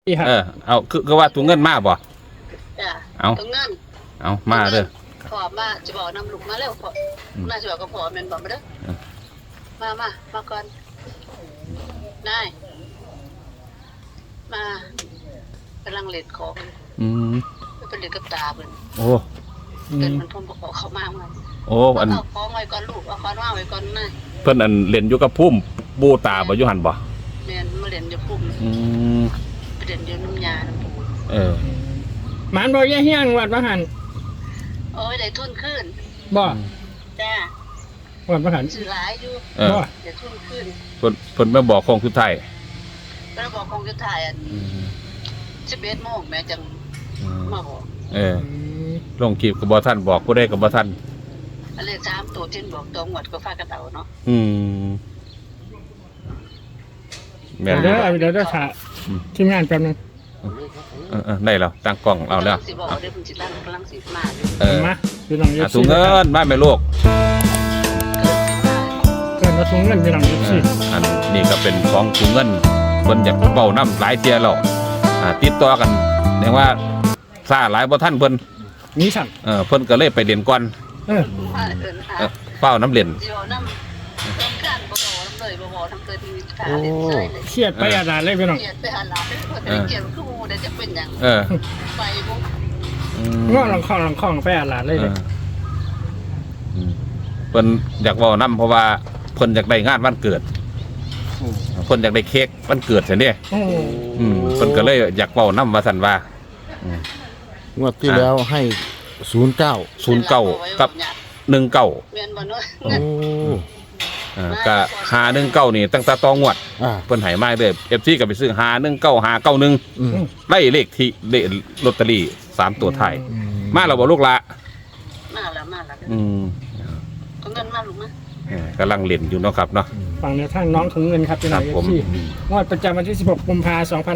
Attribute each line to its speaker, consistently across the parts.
Speaker 1: เอาคือว่าถุงเงินมาบ่
Speaker 2: จ้ะถุงเงิน
Speaker 1: เอามาเด้อ
Speaker 2: พอมาจะบอกน้ำลูกมาเร็วพอน่าจะบอกก็พอแม่นบอกมาเด้อมาก่อนนายมากำลังเล่นของเป็นเล่นกับตาเพิ่น
Speaker 1: โอ้
Speaker 2: เกิดมันพ่นบอกเขามากเลย
Speaker 1: โอ้อัน
Speaker 2: ของไว้ก่อนลูกเอาของว่างไว้ก่อนนาย
Speaker 1: เพิ่นอันเล่นอยู่กับพุ่มบูตาบ่อยู่หั่นบ่
Speaker 2: แม่นมาเล่นอยู่พุ่มไปเล่นอยู่น้ำยาน้ำปู
Speaker 3: หมันบ่แย่เฮี้ยงวัดว่าหั่น
Speaker 2: โอ้ยได้ทุนขึ้น
Speaker 3: บ่
Speaker 2: จ้า
Speaker 3: วัดว่าหั่น
Speaker 2: ซื้อหลายอยู่
Speaker 3: บ่
Speaker 2: ได้ทุนขึ้น
Speaker 1: เพิ่นมาบอกของสุดท้าย
Speaker 2: เพิ่นบอกของสุดท้ายอัน11 โมงแม่จังมาบอก
Speaker 1: ลงคลิปก็บ่ทันบอกผู้ใดก็บ่ทัน
Speaker 2: อันเลข3ตัวที่บอกตรงหมดก็ฝากกระเต่าเนาะ
Speaker 1: แม่น
Speaker 3: เดี๋ยวถ่าทีมงานแป๊บนึง
Speaker 1: ได้แล้วตั้งกล้องเอาแล้ว
Speaker 2: สิบอกเดี๋ยวเพิ่นสิตั้งกำลังสิมา
Speaker 3: มาพี่น้อง
Speaker 1: ถุงเงินมาแม่ลูก
Speaker 3: เกินถุงเงินพี่น้อง
Speaker 1: อันนี้ก็เป็นของถุงเงินเพิ่นอยากเป่าน้ำหลายเที่ยแล้วติดต่อกันเรียกว่าซ่าหลายบ่ทันเพิ่น
Speaker 3: มีสั่ง
Speaker 1: เพิ่นก็เลยไปเรียนก่อนเป้าน้ำเรียน
Speaker 3: เครียดไปอาดาเลยพี่น้อง
Speaker 2: เครียดไปอาดาเครียดคือเดี๋ยวจะเป็นอย่างไปบุก
Speaker 3: ง้อหลังคองไปอาดาเลย
Speaker 1: เพิ่นอยากเว้านํเพราะว่าเพิ่นอยากได้งานวันเกิดเพิ่นอยากได้เค้กวันเกิดซั่นเด้เพิ่นก็เลยอยากเว้านํว่าซั่นว่าง
Speaker 4: วดที่แล้วให้09
Speaker 1: กับ19
Speaker 2: แม่นบ่เนาะ
Speaker 1: โอ้ก็519นี่ตั้งแต่ต่องวดเพิ่นให้มาเด้อ FC ก็ไปซื้อ519 591ได้เลขที่ลอตเตอรี่3ตัวท้ายมาแล้วบ่ลูกละ
Speaker 2: มาแล้วถุงเงินมาลูกนะ
Speaker 1: กำลังเล่นอยู่เนาะครับเนาะ
Speaker 3: ฟังแนวทางน้องถุงเงินครับพี่น้องที่งวดประจำวันที่16 กุมภาพันธ์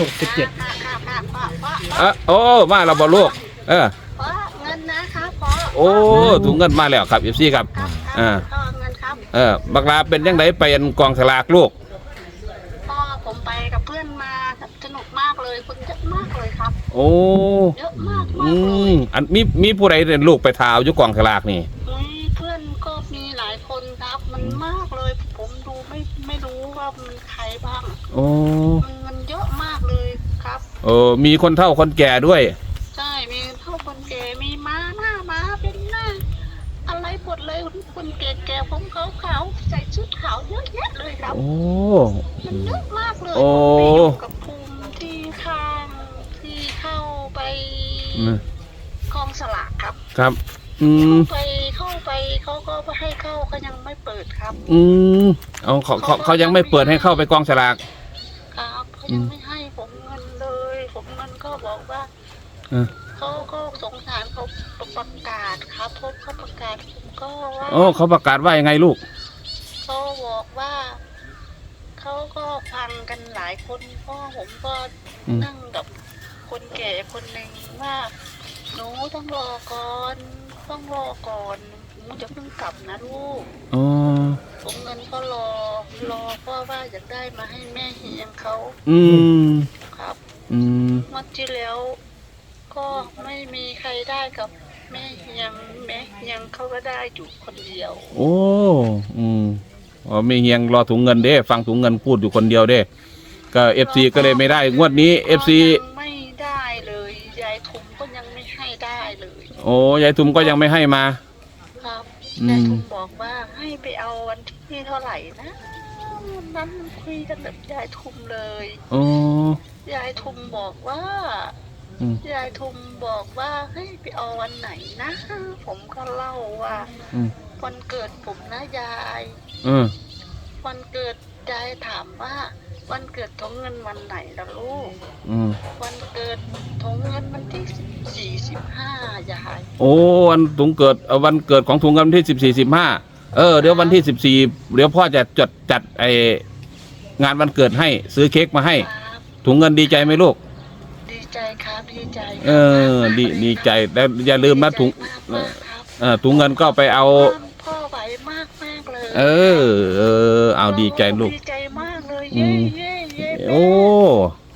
Speaker 3: 2567
Speaker 1: โอ้มาแล้วบ่ลูก
Speaker 2: เงินนะครับ
Speaker 1: โอ้ถุงเงินมาแล้วครับ FC ครับบักลาเป็นยังไงไปกองสลากลูก
Speaker 2: พ่อผมไปกับเพื่อนมาสนุกมากเลยคนเยอะมากเลยครับ
Speaker 1: โอ้
Speaker 2: เยอะมากเลย
Speaker 1: อันมีผู้ใดเรียนลูกไปทาวอยู่กองสลากนี่
Speaker 2: เพื่อนก็มีหลายคนครับมันมากเลยผมดูไม่รู้ว่ามันใครบ้าง
Speaker 1: โอ้
Speaker 2: มันเยอะมากเลยครับ
Speaker 1: มีคนเฒ่าคนแก่ด้วย
Speaker 2: ใช่มีเฒ่าคนแก่มีม้าหน้าม้าเป็นหน้าอะไรหมดเลยคนแก่ๆผมขาวๆใส่ชุดขาวเยอะแยะเลยครับ
Speaker 1: โอ้
Speaker 2: มันเยอะมากเลยผมไปอยู่กับภูมิที่ข้างที่เข้าไปกองสลากครับ
Speaker 1: ครับ
Speaker 2: เข้าไปเขาก็ให้เข้าเขายังไม่เปิดครับ
Speaker 1: เขายังไม่เปิดให้เข้าไปกองสลาก
Speaker 2: ครับเขายังไม่ให้ผมเงินเลยผมเงินก็บอกว่าเขาก็สงสารเขาประกาศครับพบเขาประกาศผมก็ว่า
Speaker 1: เขาประกาศว่ายังไงลูก
Speaker 2: เขาบอกว่าเขาก็ฟังกันหลายคนพ่อผมก็นั่งกับคนแก่คนหนึ่งว่าหนูต้องรอก่อนหนูจะเพิ่งกลับนะลูกผมเงินก็รอเพราะว่าอยากได้มาให้แม่เฮียงเขาครับวันที่แล้วก็ไม่มีใครได้กับแม่เฮียงเขาก็ได้อยู่คนเดียว
Speaker 1: โอ้แม่เฮียงรอถุงเงินเด้ฟังถุงเงินพูดอยู่คนเดียวเด้ก็ FC ก็เลยไม่ได้งวดนี้ FC
Speaker 2: ไม่ได้เลยยายทุมก็ยังไม่ให้ได้เลย
Speaker 1: โอ้ยายทุมก็ยังไม่ให้มา
Speaker 2: ครับยายทุมบอกว่าให้ไปเอาวันที่เท่าไหร่นะนั้นคุยกันแบบยายทุมเลยยายทุมบอกว่ายายทุมบอกว่าให้ไปเอาวันไหนนะผมก็เล่าว่าวันเกิดผมนะยายวันเกิดยายถามว่าวันเกิดถุงเงินวันไหนล่ะลูกวันเกิดถุงเงินวันที่15ยาย
Speaker 1: โอ้วันถุงเกิดวันเกิดของถุงเงินที่14 15เดี๋ยววันที่14เดี๋ยวพ่อจะจัดงานวันเกิดให้ซื้อเค้กมาให้ถุงเงินดีใจไหมลูก
Speaker 2: ดีใจครับดีใจ
Speaker 1: ดีใจแล้วอย่าลืมนะถุงเงินก็ไปเอา
Speaker 2: พ่อไหวมากเลย
Speaker 1: เอาดีใจลูก
Speaker 2: ดีใจมากเลย
Speaker 1: โอ้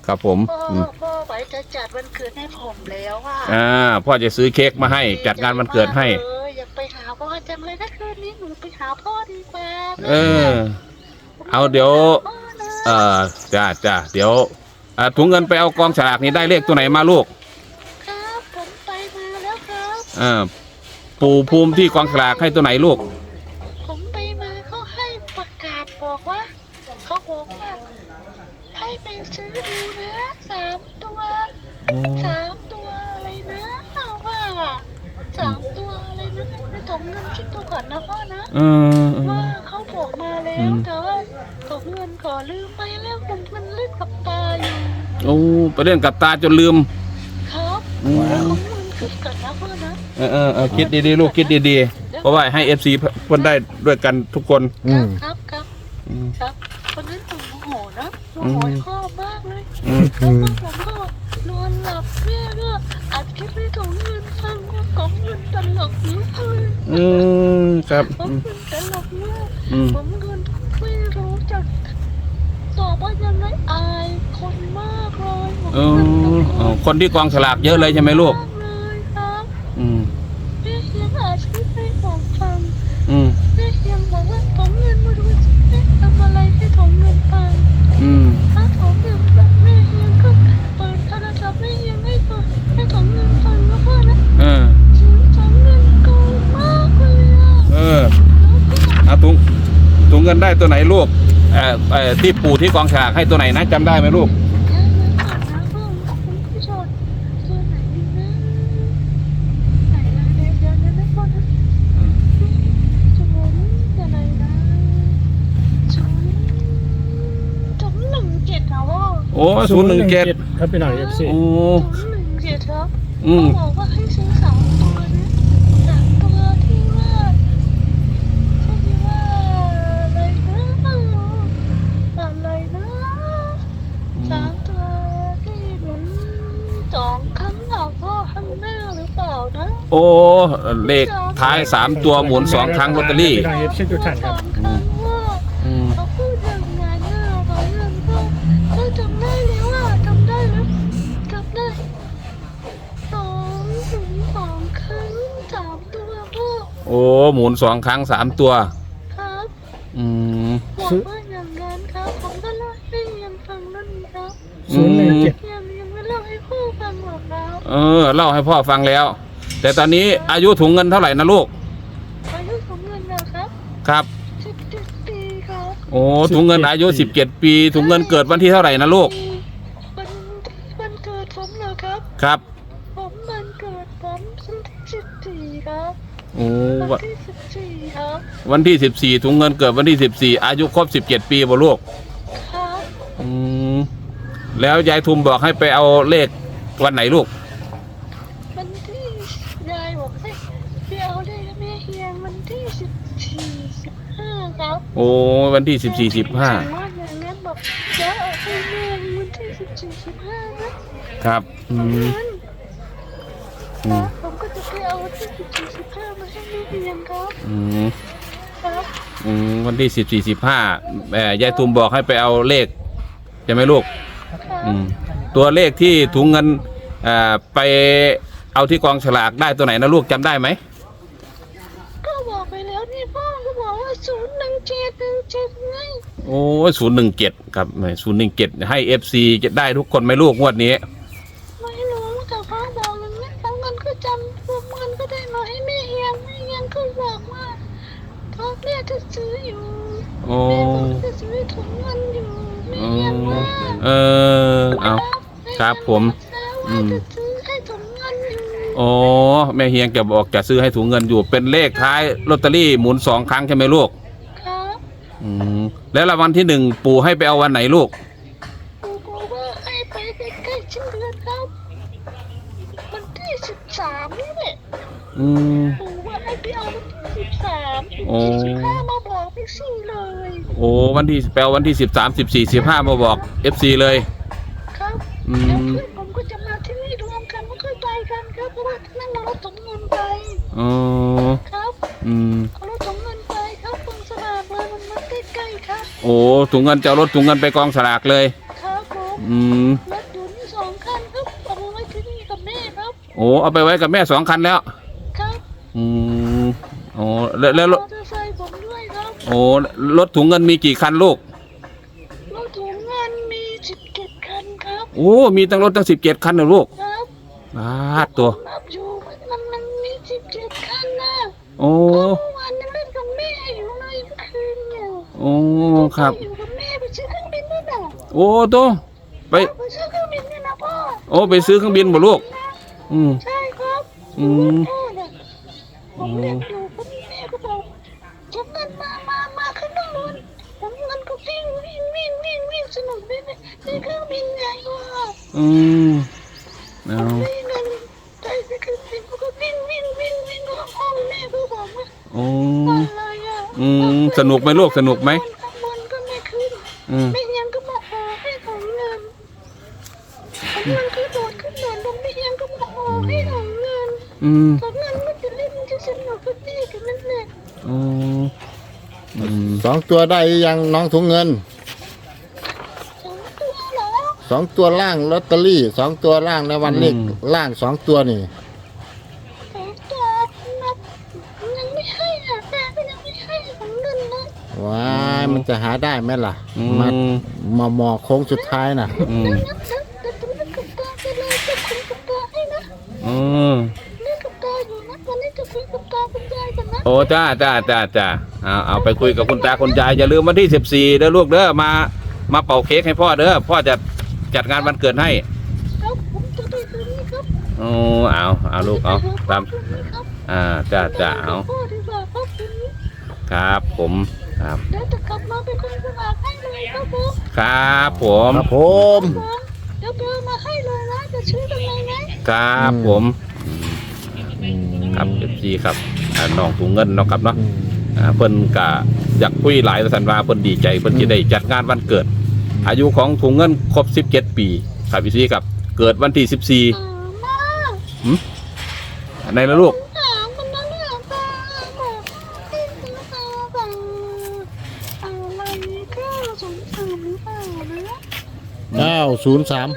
Speaker 1: ครับผม
Speaker 2: พ่อไว้จะจัดวันเกิดให้ผมแล้วว่า
Speaker 1: พ่อจะซื้อเค้กมาให้จัดงานวันเกิดให้
Speaker 2: อยากไปหาพ่อจังเลยถ้าคืนนี้หนูไปหาพ่อดีกว่า
Speaker 1: เอาเดี๋ยวจ้าเดี๋ยวถุงเงินไปเอากองฉลากนี้ได้เลขตัวไหนมาลูก
Speaker 2: ครับผมไปมาแล้วครับ
Speaker 1: ปู่ภูมิที่กองฉลากให้ตัวไหนลูก
Speaker 2: ผมไปมาเขาให้ประกาศบอกว่าเขาบอกว่าให้ไปซื้อดูนะ3 ตัวอะไรนะว่า3 ตัวอะไรนะในถุงเงินคิดดูก่อนนะพ่อนะว่าเขาบอกมาแล้วแต่ว่าถุงเงินขอลืมไปแล้วมันเล่นกับตาอยู่
Speaker 1: โอ้ไปเล่นกับตาจนลืม
Speaker 2: ครับถุงเงินคิดก่อนนะพ่อนะ
Speaker 1: คิดดีๆลูกคิดดีๆเพราะว่าให้ FC เพิ่นได้ด้วยกันทุกคน
Speaker 2: ครับวันนั้นผมโมโหนะโมโหพ่อมากเลยแล้วผมก็นอนหลับแม่ก็อัดคลิปให้ถุงเงินฟังว่าของเงินตลกมากเลย
Speaker 1: ครับ
Speaker 2: ของเงินตลกมากผมเงินไม่รู้จะตอบว่ายังไงอายคนมากเลย
Speaker 1: คนที่กองฉลากเยอะเลยใช่ไหมลูก
Speaker 2: เลยครับแม่ยังอัดคลิปให้ผมฟังแม่ยังบอกว่าถุงเงินมาดูสิทำอะไรให้ถุงเงินฟังถ้าถุงเงินฟังแม่ยังก็เปิดโทรศัพท์แม่ยังให้ถุงเงินฟังนะพ่อนะถุงเงินโกงมากเลย
Speaker 1: ถุงเงินได้ตัวไหนลูกที่ปู่ที่กองฉลากให้ตัวไหนนะจำได้ไหมลูกโอ้017
Speaker 3: ครับพี่หน่อย FC
Speaker 1: โอ้
Speaker 2: 017ครับเขาบอกว่าให้ซื้อ3 ตัวนะ3 ตัวที่ว่าอะไรนะ3 ตัวที่หมุน2 ครั้งเอาพ่อข้างหน้าหรือเปล่านะ
Speaker 1: โอ้เลขท้าย3 ตัวหมุน2 ครั้งลอตเตอรี่
Speaker 3: พี่หน่อย FC ทุกท่านครับ
Speaker 2: เขาพูดอย่างนั้นเขาเรื่องก็จำได้แล้วจำได้2 ครั้ง3 ตัวพ่อ
Speaker 1: โอ้หมุน2 ครั้ง3 ตัว
Speaker 2: ครับบอกว่าอย่างนั้นครับผมก็เล่าให้ยังฟังนั่นครับยังไม่เล่าให้พ่อฟังหรอกครับ
Speaker 1: เล่าให้พ่อฟังแล้วแต่ตอนนี้อายุถุงเงินเท่าไหร่นะลูก
Speaker 2: อายุถุงเงินนะครับ
Speaker 1: ครับ
Speaker 2: 17 ปีครับ
Speaker 1: โอ้ถุงเงินอายุ17 ปีถุงเงินเกิดวันที่เท่าไหร่นะลูก
Speaker 2: วันเกิดผมเหรอครับ
Speaker 1: ครับ
Speaker 2: ผมวันเกิดผมวันที่14ครับ
Speaker 1: โอ้
Speaker 2: วันที่14ครับ
Speaker 1: วันที่14ถุงเงินเกิดวันที่14อายุครบ17 ปีบ่ลูก
Speaker 2: ครับ
Speaker 1: แล้วยายทุมบอกให้ไปเอาเลขวันไหนลูก
Speaker 2: วันที่ยายบอกให้ไปเอาเลขแม่เฮียงวันที่14-15ครับ
Speaker 1: โอ้วันที่14-15
Speaker 2: ว่าอย่างนั้นบอกจะเอาให้แม่วันที่14-15นะครับผมก็จะไปเอาวันที่14-15มาให้แม่เฮียงครับ
Speaker 1: วันที่14-15ยายทุมบอกให้ไปเอาเลขใช่ไหมลูกตัวเลขที่ถุงเงินไปเอาที่กองฉลากได้ตัวไหนนะลูกจำได้ไหม
Speaker 2: ก็บอกไปแล้วนี่พ่อก็บอกว่า017ไง
Speaker 1: โอ้017ครับ017ให้ FC จะได้ทุกคนไหมลูกงวดนี้
Speaker 2: ไม่รู้แต่พ่อบอกอย่างนี้แล้วเงินก็จำเงินก็ได้มาให้แม่เฮียงก็บอกว่าพ่อแม่จะซื้ออยู่แม่บอกจะซื้อถุงเงินอยู่แม่เฮียงว่า
Speaker 1: เอาครับผม
Speaker 2: จะซื้อให้ถุงเงินอยู่
Speaker 1: โอ้แม่เฮียงจะบอกจะซื้อให้ถุงเงินอยู่เป็นเลขท้ายลอตเตอรี่หมุน2 ครั้งใช่ไหมลูก
Speaker 2: ครับ
Speaker 1: แล้วรางวัลที่1ปู่ให้ไปเอาวันไหนลูก
Speaker 2: ปู่ว่าให้ไปใกล้ๆสิ้นเดือนครับวันที่13นี่แหละปู่ว่าให้ไปเอาวันที่13-15มาบอกพี่ซี่เลย
Speaker 1: โอ้วันที่แปลวันที่13-14-15มาบอก FC เลย
Speaker 2: ครับแล้วเพื่อนผมก็จะมาที่นี่รวมกันไม่ค่อยไปกันครับเพราะว่านั่งรถถุงเงินไปครับเอารถถุงเงินไปครับกองสลากเลยมันใกล้ๆครับ
Speaker 1: โอ้ถุงเงินจะเอารถถุงเงินไปกองสลากเลย
Speaker 2: ครับผมรถ
Speaker 1: โอ้เอาไปไว้กับแม่2 คันแล้ว
Speaker 2: ครับ
Speaker 1: อืมโอ้แล้ว
Speaker 2: มอเตอร์ไซค์ผมด้วยครับ
Speaker 1: โอ้รถถุงเงินมีกี่คันลูก
Speaker 2: รถถุงเงินมี17 คันครับ
Speaker 1: โอ้มีตั้งรถตั้ง17 คันนะลูก
Speaker 2: ครับ
Speaker 1: ตัว
Speaker 2: นับอยู่มันมี17 คันนะ
Speaker 1: โอ้
Speaker 2: เมื่อวานยังเล่นกับแม่อยู่เลยเมื่อคืนเนี่ย
Speaker 1: โอ้ครับ
Speaker 2: อยู่กับแม่ไปซื้อเครื่องบินด้วยนะ
Speaker 1: โอ้ตัวไป
Speaker 2: ไปซื้อเครื่องบินด้วยนะพ่อ
Speaker 1: โอ้ไปซื้อเครื่องบินบ่ลูกอืม
Speaker 2: ใช่ครับ
Speaker 1: อืม
Speaker 2: พ่อเนี่ยผมเล่นอยู่คุณแม่ก็บอกจำเงินมาขึ้นข้างบนผมเงินก็วิ่งสนุกด้วยนะในเครื่องบินใหญ่ว่ะ
Speaker 1: อืมเอา
Speaker 2: วิ่งเงินใจไปเครื่องบินก็วิ่งก็ห้องแม่ก็บอกว่า
Speaker 1: โอ้
Speaker 2: อะไรอ่ะ
Speaker 1: สนุกไหมลูกสนุกไหม
Speaker 2: ข้างบนก็ไม่ขึ้น
Speaker 1: อืม
Speaker 2: ไม่ยังก็มาขอให้ของเงินมันก็โดดขึ้นโดดลงไม่ยังก็มาขอให้ของเงิน
Speaker 1: อืม
Speaker 2: ของเงินมันจะเล่นมันจะสนุกก็ดีกันนั่นแหละ
Speaker 1: อืมอืม
Speaker 4: 2 ตัวได้ยังน้องถุงเงิน
Speaker 2: 2 ตัวเหรอ
Speaker 4: 2 ตัวล่างลอตเตอรี่2 ตัวล่างในวันเลขล่าง2 ตัวนี่
Speaker 2: 2 ตัวนับยังไม่ให้อ่ะแม่ก็ยังไม่ให้ของเงินนะ
Speaker 4: ว้ายมันจะหาได้ไหมล่ะ
Speaker 1: อื
Speaker 4: มาหมอโค้งสุดท้ายน่ะ
Speaker 1: อืม
Speaker 2: นับแต่ตัวเล่นกับตาไปเลยจะคุยกับตาให้นะ
Speaker 1: อืม
Speaker 2: เล่นกับตาอยู่นะวันนี้จะคุยกับตาคุณยายกันนะ
Speaker 1: โอ้จ้าเอาไปคุยกับคุณตาคุณยายอย่าลืมวันที่14เด้อลูกเด้อมาเป่าเค้กให้พ่อเด้อพ่อจะจัดงานวันเกิดให้
Speaker 2: ครับผมจะไปคืนนี้ครับ
Speaker 1: โอ้เอาลูกเอาตามจ้าเอา
Speaker 2: พ่อดีกว่าครับคืนนี้
Speaker 1: ครับผมครับ
Speaker 2: เดี๋ยวจะกลับมาเป็นคนสมัครให้เลยครับผม
Speaker 1: ครับผม
Speaker 4: ครับผม
Speaker 2: เดี๋ยวเบอร์มาให้เลยนะจะชื่อตรงไหนไหม
Speaker 1: ครับผมครับ14ครับน้องถุงเงินเนาะครับเนาะเพิ่นก็อยากคุยหลายสันว่าเพิ่นดีใจเพิ่นจะได้จัดงานวันเกิด อายุของถุงเงินครบ17 ปีครับพี่ซีครับเกิดวันที่
Speaker 2: มา
Speaker 1: 14ในละลูก
Speaker 2: ถามมันนะเนี่ยตาบอกให้ซื้อตาสั่งอะไรก็สงสารหรือเปล่านะ
Speaker 4: 903
Speaker 2: มันได้ลองสั่ง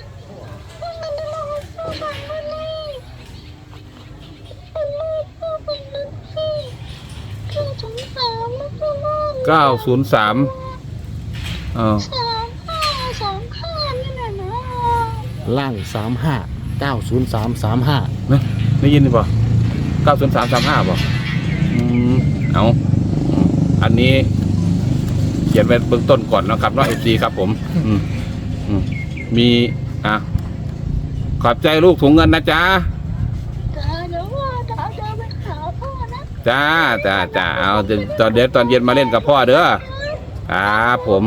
Speaker 2: มาเลยเป็นลูกก็เป็นลูกสิก็สงสารแล้วก็ลูก
Speaker 1: 903
Speaker 2: 35นี่แหละนะ
Speaker 4: ล่าง35 90335
Speaker 1: นะได้ยินป่ะ90335ป่ะเอาอันนี้เขียนไว้เบื้องต้นก่อนนะครับเนาะ FC ครับผมมีขอบใจลูกถุงเงินนะจ๊ะ
Speaker 2: จ้าเดี๋ยวว่าจะไปหาพ่อนะ
Speaker 1: จ้าเอาเดี๋ยวตอนเย็นมาเล่นกับพ่อเด้อครับผม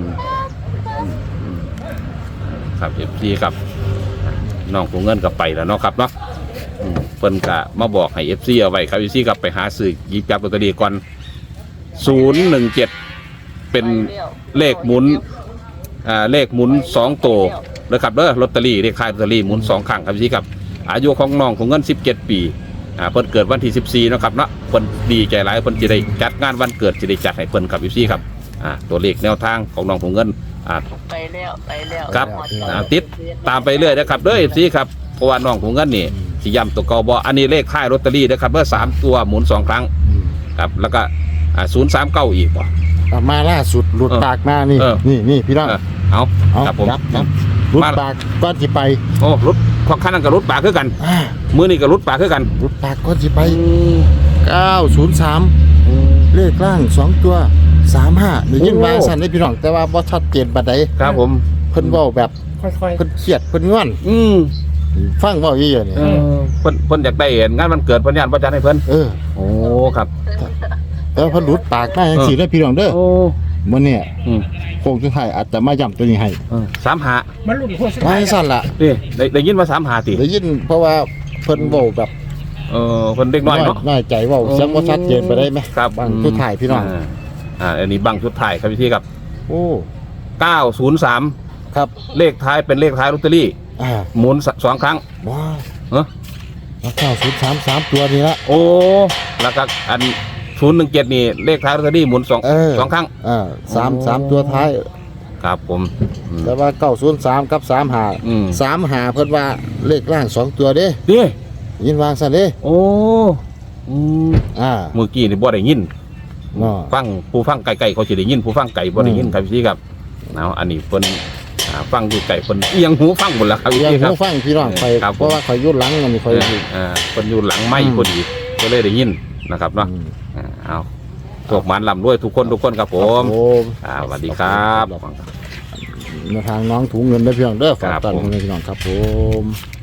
Speaker 1: ครับ FC ครับน้องถุงเงินก็ไปแล้วเนาะครับเนาะเพิ่นก็มาบอกให้ FC เอาไว้ครับ FC กับไปหาซื้อหยิบจับลอตเตอรี่ก่อน017เป็นเลขหมุนเลขหมุน2ตัวนะครับเด้อลอตเตอรี่เลขท้ายลอตเตอรี่หมุน2ครั้งครับพี่ครับอายุของน้องของเงิน17 ปีเพิ่นเกิดวันที่14เนาะครับเนาะเพิ่นดีใจหลายเพิ่นจะได้จัดงานวันเกิดจะได้จัดให้เพิ่นครับพี่ครับตัวเลขแนวทางของน้องของเงิน
Speaker 2: ไปแล้ว
Speaker 1: ครับติดตามไปเรื่อยนะครับเด้อพี่ครับเพราะว่าน้องของเงินนี่สิย้ำตัวเก่าบ่อันนี้เลขท้ายลอตเตอรี่นะครับเบอร์3ตัวหมุน2ครั้งครับแล้วก็039อีกบ่
Speaker 4: มาล่าสุดหลุดปากมานี่ นี่พี่น้อง
Speaker 1: เอา
Speaker 4: เอา
Speaker 1: ครับผม
Speaker 4: ครับหลุดปากก้อนสิไป
Speaker 1: โอ้รถพอขั้นนั้นกับรถปากคือกัน มือนี่กับรถปากคือกัน
Speaker 4: หลุดปากก้อนสิไป 903 เลขล่าง2ตัว35ได้ยินว่าสั่นได้พี่น้องแต่ว่าบ่ชัดเจนปานใด
Speaker 1: ครับผม
Speaker 4: เพิ่นเว้าแบบ
Speaker 3: ค่อย
Speaker 4: เพิ่นเครียดเพิ่นงอน ฟังเว้าอีหยังนี่
Speaker 1: เพิ่นอยากได้เห็นงานวันเกิดเพิ่นย่านบ่จัดให้เพิ่น โอ้ครับ
Speaker 4: แต่ว่าเพิ่นหลุดปากมาจังซี่เด้อพี่น้องเด้อ
Speaker 1: โอ้
Speaker 4: มื้อนี้
Speaker 1: อืม
Speaker 4: โค้งสุดท้ายอาจจะมาย้ำตัวนี้ให้
Speaker 1: 35
Speaker 3: ๆมันหลุดหัวสุด
Speaker 4: ไว้
Speaker 3: ท้าย
Speaker 4: สั่นล่ะ
Speaker 1: นี่ได้ยินว่า35ติ
Speaker 4: ได้ยินเพราะว่าเพิ่นเว้าแบบ
Speaker 1: เพิ่นเด็กน้อยเนาะ
Speaker 4: น้อยใจเว้าเสียงบ่ชัดเจนไปได้ไหม
Speaker 1: ครับ
Speaker 4: บางสุดท้ายพี่น้อง
Speaker 1: อันนี้บังชุดท้ายครับพี่ครับ
Speaker 4: โอ้
Speaker 1: 903
Speaker 4: ครับ
Speaker 1: เลขท้ายเป็นเลขท้ายลอตเตอรี่ หมุน2ครั้ง
Speaker 4: ว้า
Speaker 1: เนอะ
Speaker 4: แล้ว903ตัวนี้ละ
Speaker 1: โอ้แล้วก็อัน017นี่เลขท้ายลอตเตอรี่หมุน2ครั้ง
Speaker 4: สามตัวท้าย
Speaker 1: ครับผม
Speaker 4: แต่ว่า903กับ35 35เพิ่นว่าเลขล่าง2ตัวเด้
Speaker 1: เด้
Speaker 4: ยินวางซั่นเด้
Speaker 1: โอ้อืม เมื่อกี้นี่บ่ได้ยิน
Speaker 4: เนาะ
Speaker 1: ฟังผู้ฟังไกลๆเขาสิได้ยินผู้ฟังไกลบ่ได้ยินครับพี่ครับเอาอันนี้เพิ่นฟังอยู่ไกลเพิ่นเอียงหูฟังหมดแล้วครับ
Speaker 4: เรียน
Speaker 1: พี่ครั
Speaker 4: ผู้
Speaker 1: บ
Speaker 4: ฟังพี่น้องไป
Speaker 1: ครับผม
Speaker 4: เพราะว่าข่อยอยู่หลังอันนี้ข่อย
Speaker 1: เพิ่นอยู่หลังไม้พอดีก็เลยได้ยินนะครับเนาะเอาพวกมันลำด้วยทุกคนครับผม
Speaker 4: ผม
Speaker 1: สวัสดีครับ
Speaker 4: ในทางน้องถุงเงินได้เพียงเด้อฝาก
Speaker 1: ครับ
Speaker 4: ตอน
Speaker 1: ผม
Speaker 4: พี่น้องครับผม